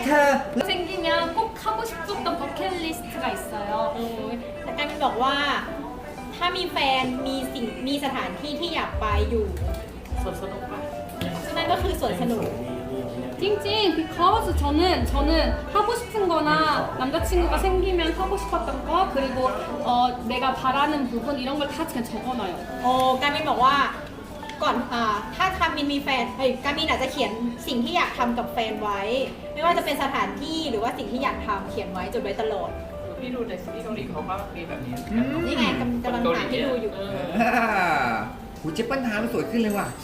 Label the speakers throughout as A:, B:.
A: เธอ
B: 생기면 꼭 하고 싶었던 버킷리스트가 있어요.
C: แต่การมินบอกว่าถ้ามีแฟนมีสถานที่ที่อยากไปอยู่
D: สวนสนุกปะ
C: นั่นก็คือสวนสนุก
B: 찡찡 because 저는 하고 싶은 거나 남자친구가 생기면 하고 싶었던 거 그리고 내가 바라는 부분 이런 걸 다 그냥 적어놔요.
C: โอ้การมินบอกว่าก่อนถ้าการมินมีแฟนการมินอาจจะเขียนสิ่งที่อยากทำกับแฟนไว้ ไม่ว่าจะเป็นสถานที่หรือว่าสิ่งที่อยากทำเขียนไว้จดไว้ตลอด
D: พี่ดูในซีรีส์เกาหลีเขาก็มีแบบนี้
C: นี่ไงกำลังหาที่ดูอยู่
A: หูเจ๊เปิ้ลทามันสวยขึ้นเลยว่ะ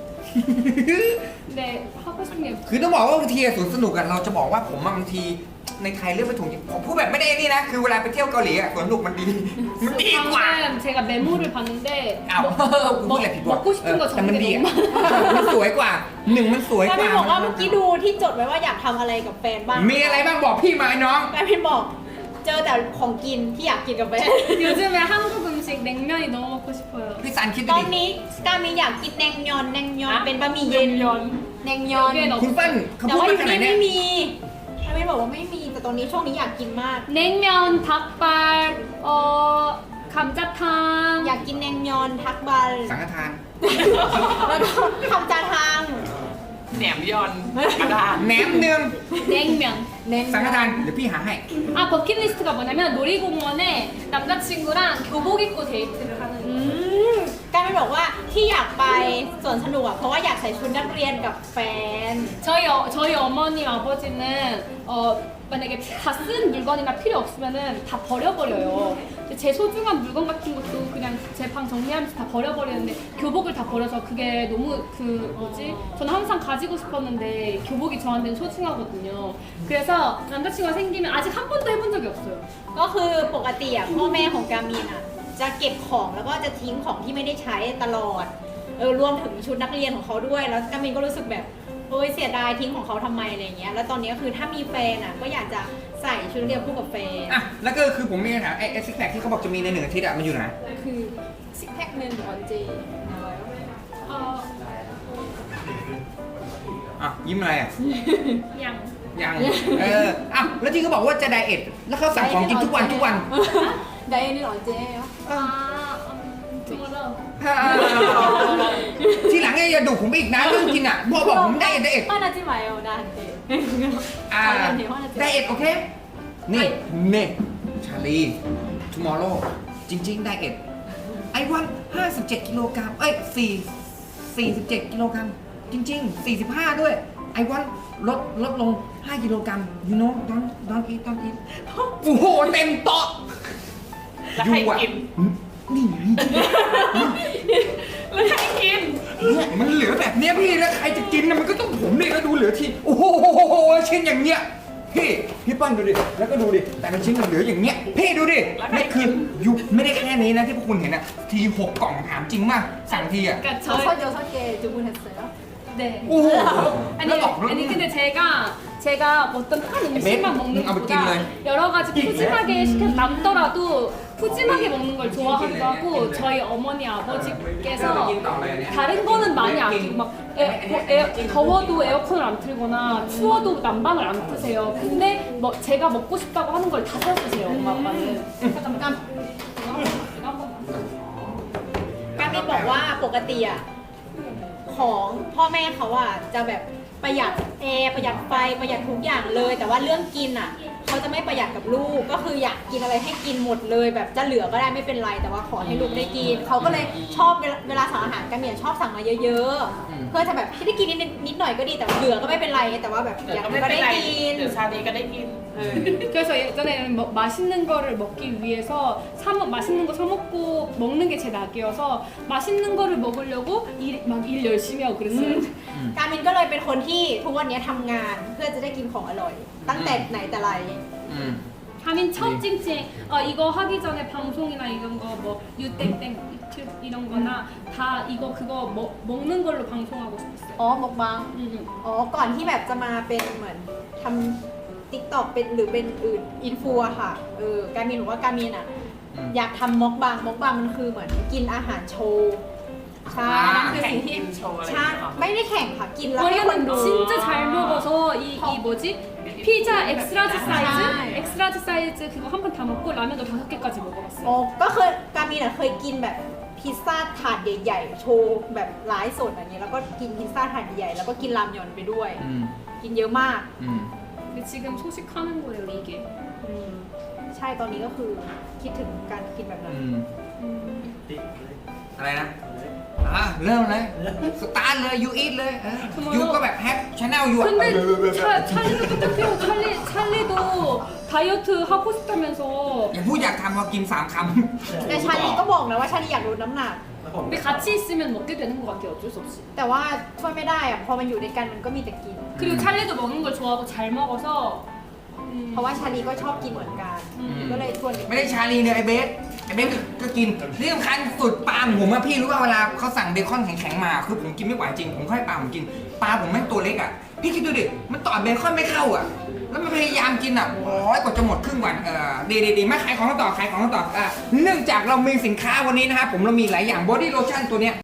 B: 네 하고 싶은 게
A: คือต้องบอกว่าบางทีสวนสนุกอะเราจะบอกว่าผมบางทีในไทยเลือกไม่ถูกจริงผมพูดแบบไม่ได้นี่นะ คือเวลาไปเที่ยวเกาหลีอะสวนสนุกมันดี มันดีกว่า
B: 방금 제가 메모를 봤는데
A: อ้าวกูพูดอะไรผิดวะ
B: 먹고 싶은 거
A: แต่มัน
B: 적는
A: ดี
B: 게
A: อะ
B: 너무
A: มันสวยกว่าหนึ่งมันสวย
C: การ
A: ก
C: มิ
A: ว่าน
C: บอกว่าเมื่อกี้ดูที่จดไว้ว่าอยากทำอะไรกับแฟนบ้าง
A: มีอะไรบ้างบอกพี่มาไอ้น้อง
C: การมินบอกเจอแต่ของกินที่อยากกินกับแฟน
B: 요즘에 한국 음식 냉면이 너무 먹고 싶어요.
A: พี่ซันคิด
C: ต
A: ดู
C: อน
A: ดิ
C: นี้การมินอยากกินแนงยอนเป็นบะหมี่เย็นแนงยอน
B: 여기엔
A: คุณ
B: 없
A: เปิ้ลเขา
C: แต่
A: พูด
C: ว่าอ
A: มา
C: ยู่
A: ขนาด
C: นี่
A: เนี้ย
C: ไม่มีการมินบอกว่าไม่มีแต่ตอนนี้ช่วงนี้อยากกินมาก
B: 냉면, 닭발, 감자탕.
C: อยากกินแนงยอนทักบัล
A: สังฆทาน
C: แล้วก็ทำจาทาง
D: แหนมยอนกระดาษ
A: แหนมเนือง
B: 냉면.
C: แนง
A: สังฆทานเดี๋ยวพี่หาให้
B: 아 버킷리스트가 뭐냐면 놀이공원에 남자친구랑 교복 입고 데이트를 하는
C: อืมการมินบอกว่าที่อยากไปสวนสนุกอะเพราะว่าอยากใส่ชุดนักเรียนกับแฟน
B: 저희 어머니 아버지는 만약에 다 쓴 물건이나 필요 없으면은 다 버려버려요. 근데 제 소중한 물건 같은 것도 그냥 제 방 정리하면서 다 버려버리는데 교복을 다 버려서 그게 너무 저는 항상 가지고 싶었는데 교복이 저한테는 소중하거든요. 그래서 남자친구가 생기면 아직 한 번도 해본 적이 없어요.
C: ก็คือปกติอะพ่อแม่ของการมินอะจะเก็บของแล้วก็จะทิ้งของที่ไม่ได้ใช้ตลอดรวมถึงชุดนักเรียนของเขาด้วยแล้วการมินก็รู้สึกแบบโอ้ยเสียดายทิ้งของเขาทำไมอะไรเงี้ยแล้วตอนนี้ก็คือถ้ามีแฟนอะก็อยากจะใส่ชุดนักเรียนคู่กับแฟน
A: อ่ะแล้วก็คือผมมีคำถามไอ้ซิกแพคที่เขาบอกจะมีใน1 อาทิตย์อะมันอยู่ไหน
C: คือซิกแพคหนึ่ง언제
B: 어,
A: อ่ะยิ้มอะไรอ่ะ
B: 그냥
A: ยังอ่ะแล้วที่เขาบอกว่าจะไดเอทแล้วเขาสั่งของกินทุกวัน
C: ไดเอท언제예요
B: 아 tomorrow.
A: ทีหลังอย่าดุผมอีกนะเรื่องกินอ่ะพอบอกผมไดเอท
C: 화나지 마요 나한테
A: อ่าไดเอทโอเคนี่ชาลี tomorrow จริงๆไดเอทไอ้วัน57 กิโลกรัม47 กิโลกรัมจริงๆ45ด้วยไอ้วันลดลง5 กิโลกรัม you know don't eat โอ้โหเต็มโต๊ะ
D: แล้วใครกิน
A: นี่ไง
D: แล้วใครกิน
A: เนี่ยมันเหลือแบบเนี้ยพี่แล้วใครจะกินนะมันก็ต้องผมนี่แล้วดูเหลือทีโอ้โหชิ้นอย่างเนี้ยพี่เปิ้ลดูดิแล้วก็ดูดิแต่ละชิ้นมันเหลืออย่างเนี้ยพี่ดูดินี่คือยุไม่ได้แค่นี้นะที่พวกคุณเห็นอะที6 กล่องถามจริงมากสั่งทีอะ
B: 그러니까
C: 6개 주문했어요
B: 네.
A: 오.
B: 아니 근데 제가 어떤 한 음식만 먹는 것보다 여러 가지 푸짐하게 시켜 남더라도 푸짐하게 먹는 걸 좋아하기도 하고 저희 어머니 아버지께서 다른 거는 많이 아끼고 막 더워도 에어컨을 안 틀거나 추워도 난방을 안 트세요. 근데 뭐 제가 먹고 싶다고 하는 걸 다 사주세요 엄마 아빠는. 잠깐만.
C: การมินบอกว่าปกติอะของพ่อแม่เขาอะจะแบบประหยัดแอร์ประหยัดไฟประหยัดทุกอย่างเลย แต่ว่าเรื่องกินอะเขาจะไม่ประหยัดกับลูกก็คืออยากกินอะไรให้กินหมดเลยแบบจะเหลือก็ได้ไม่เป็นไรแต่ว่าขอให้ลูกได้กินเขาก็เลยชอบเวลาสั่งอาหารกันชอบสั่งมาเยอะๆเพื่อจะแบบที่ได้กินนิดหน่อยก็ดีแต่เหลือก็ไม่เป็นไรแต่ว่าแบบอยากก็ได้กิน
D: เดี๋ยวชาลีก็ได้กิน
B: 그래서 예전에는 뭐 맛있는 거를 먹기 위해서 맛있는 거 사 먹고 먹는 게 제 낙이어서 맛있는 거를 먹으려고 막 일 열심히 하고 그랬어요.
C: การมินก็เลยเป็นคนที่ทุกวันนี้ทำงานเพื่อจะได้กินของอร่อย ตั้งแต่ไหนแต่ไร
B: 하민 첫 찡찡 이거 하기 전에 방송이나 이런 거 뭐 유땡땡 유튜브 이런 거나 다 이거 그거 먹는 걸로 방송하고 싶었어요.
C: อ๋อมกบังอ๋อก่อนที่แบบจะมาเป็นเหมือนทำติ๊กต็อกเป็นหรือเป็นอื่นอินฟูอะค่ะการมินบอกว่าการมินอะอยากทำมกบังมันคือเหมือนกินอาหารโชว์ใช่คือสิ่งที่
D: แข่งกินโชว์อะไรอย่าง
C: ใช่
D: เงี้ยเหรอ
C: ไม่ได้แข่งค่ะกินแล้วให้คน
B: 원래는
C: ดู
B: 진짜 잘 먹어서 이 뭐지? 피자 엑스라지
C: 아.
B: 사이즈, 엑스라지 사이즈 그거 한 번 다 먹고 라면도 5개까지 먹어봤어요.
C: โอ้ก็เคยการมีน่ะเคยกินแบบพิซซ่าถาดใหญ่ๆโชว์แบบไลฟ์สดอย่างเงี้ยแล้วก็กินพิซซ่าถาดใหญ่แล้วก็กินรามยอนไปด้วย
A: อืม
C: กินเยอะมาก
A: อืม
B: 근데 지금 소식하는 거예요 이게.
C: อืมใช่ตอนนี้ก็คือคิดถึงการกินแบบนั้น
A: อะไรนะเริ่มเลยสตาร์ทเลยยูอีทเลยยูก็แบบแฮปชแนลยู
B: 근데 찰리도 똑같아요. 찰리도 다이어트 하고 싶다면서.
A: อย่าพูดอยากทำพอกิน3 คำ
C: แต่ชาลีก็บอกนะว่าชาลีอยากลดน้ำหนัก
B: 근데 같이 있으면 먹게 되는 것 같아요. 어쩔 수 없이.
C: แต่ว่าช่วยไม่ได้อะพอมันอยู่ด้วยกันมันก็มีแต่กิน
B: 그리고 찰리도 먹는 걸 좋아하고 잘 먹어서.
C: เพราะว่าชาลีก็ชอบกินเหมือนกัน ก็เลยชวนกัน
A: ไม่ได้ชาลีเนี่ยไอเบสก็กินที่สำคัญสุดปลาผมอะพี่รู้ว่าเวลาเขาสั่งเบคอนแข็งๆมาคือผมกินไม่ไหวจริงผมค่อยปลาผมกินปลาผมแม่งตัวเล็กอะพี่คิดดูดิมันต่อเบคอนไม่เข้าอะแล้วมันพยายามกินอะโอ้ยกว่าจะหมดครึ่งวันดีไม่ขายของต่อเนื่องจากเรามีสินค้าวันนี้นะครับผมเรามีหลายอย่างบอดี้โลชั่นตัวเนี้ย